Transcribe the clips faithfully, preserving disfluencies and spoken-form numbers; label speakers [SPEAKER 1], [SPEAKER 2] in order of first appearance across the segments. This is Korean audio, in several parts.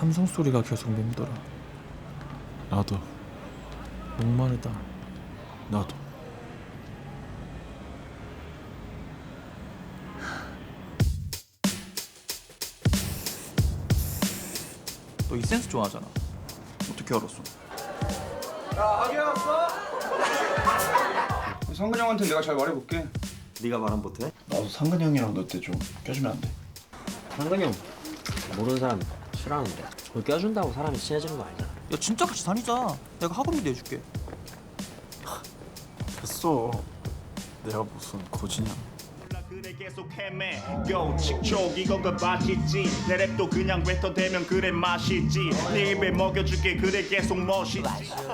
[SPEAKER 1] 함성 소리가 계속 맴돌아.
[SPEAKER 2] 나도
[SPEAKER 1] 목마르다.
[SPEAKER 2] 나도.
[SPEAKER 3] 너 이 센스 좋아하잖아. 어떻게 알았어?
[SPEAKER 4] 상근이 형한테 내가 잘 말해볼게.
[SPEAKER 5] 네가 말한 못해?
[SPEAKER 4] 나도 상근이 형이랑 너 때 좀 껴주면 안 돼?
[SPEAKER 6] 상근이 형 모르는 사람 싫어하는데 그걸 껴준다고 사람이 친해지는 거 아니잖아.
[SPEAKER 3] 야 진짜 같이 다니자. 내가 학원비 내줄게.
[SPEAKER 2] 됐어. 내가 무슨 거지냐.
[SPEAKER 7] 그래 계속 헤매 요 칙촉 이건 그 맛있지 내 랩도 그냥 뱉어대면 그래 맛있지 네 입에 먹여줄게 그래 계속 멋있지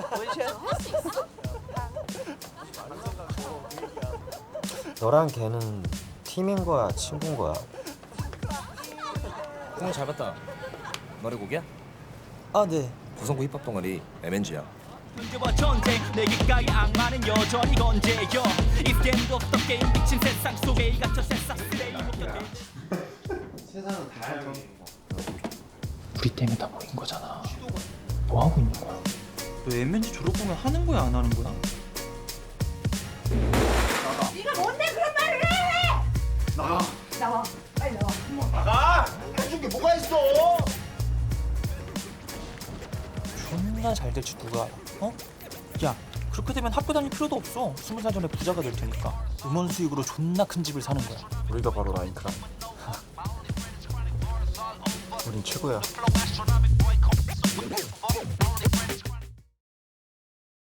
[SPEAKER 5] 너랑 걔는 팀인 거야, 친구인 거야?
[SPEAKER 8] 공을 잘 봤다. 너네 곡이야?
[SPEAKER 3] 아 네.
[SPEAKER 8] 구성구 힙합 동아리 엠엔지야.
[SPEAKER 9] 문제와 전쟁 내 귓가에 악마는 여전히 건재여 이 게임도 없던 게임 미친 세상 속에 이 갇혀 새싹 쓰레기 목격해.
[SPEAKER 1] 우리 때문에 다 모인 거잖아. 뭐 하고 있는 거야?
[SPEAKER 3] 너 엠엔지 졸업하면 하는 거야 안 하는 거야?
[SPEAKER 10] 네가 뭔데 그런 말을 해? 나가. 나와. 빨리 나와.
[SPEAKER 3] 존나 잘 될지 누가 알아? 어? 야 그렇게 되면 학교 다닐 필요도 없어. 스무 살 전에 부자가 될 테니까. 음원 수익으로 존나 큰 집을 사는 거야.
[SPEAKER 2] 우리가 바로 라인크라.
[SPEAKER 5] 우린 최고야.